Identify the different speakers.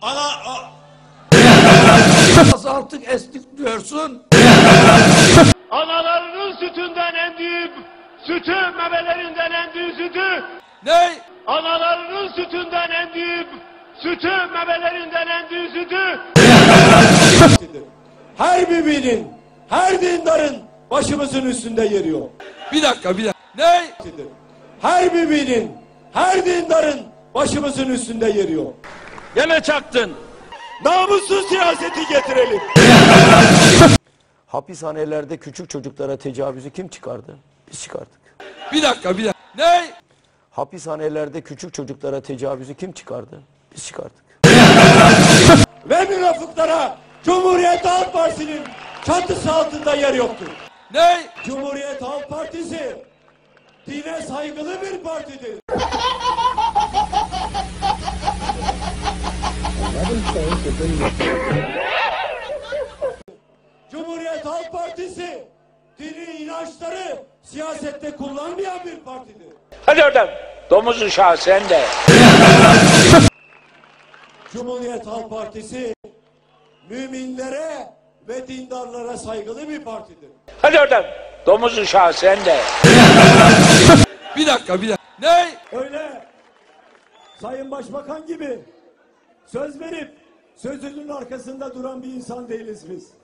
Speaker 1: Azalttık estik diyorsun.
Speaker 2: Analarının sütünden emdiği sütü, memelerinden emdiği sütü.
Speaker 1: Ne?
Speaker 2: Analarının sütünden emdiği sütü, memelerinden emdiği sütü.
Speaker 3: Her müminin, her dindarın başımızın üstünde yeri yok.
Speaker 1: Bir dakika. Ne?
Speaker 3: Her müminin, her dindarın başımızın üstünde yeri yok.
Speaker 1: Gene çaktın.
Speaker 3: Namussuz siyaseti getirelim.
Speaker 4: Hapishanelerde küçük çocuklara tecavüzü kim çıkardı? Biz çıkardık.
Speaker 1: Bir dakika. Ne?
Speaker 4: Hapishanelerde küçük çocuklara tecavüzü kim çıkardı? Biz çıkardık.
Speaker 3: Ve münafıklara Cumhuriyet Halk Partisi'nin çatısı altında yer yoktur.
Speaker 1: Ne?
Speaker 3: Cumhuriyet Halk Partisi dine saygılı bir partidir. Cumhuriyet Halk Partisi dini inançları siyasette kullanmayan bir partidir.
Speaker 2: Hadi oradan. Domuz uşağı sen de.
Speaker 3: Cumhuriyet Halk Partisi müminlere ve dindarlara saygılı bir partidir.
Speaker 2: Hadi oradan. Domuz uşağı sen de.
Speaker 1: Bir dakika. Ne?
Speaker 3: Öyle Sayın Başbakan gibi söz verip sözünün arkasında duran bir insan değiliz biz.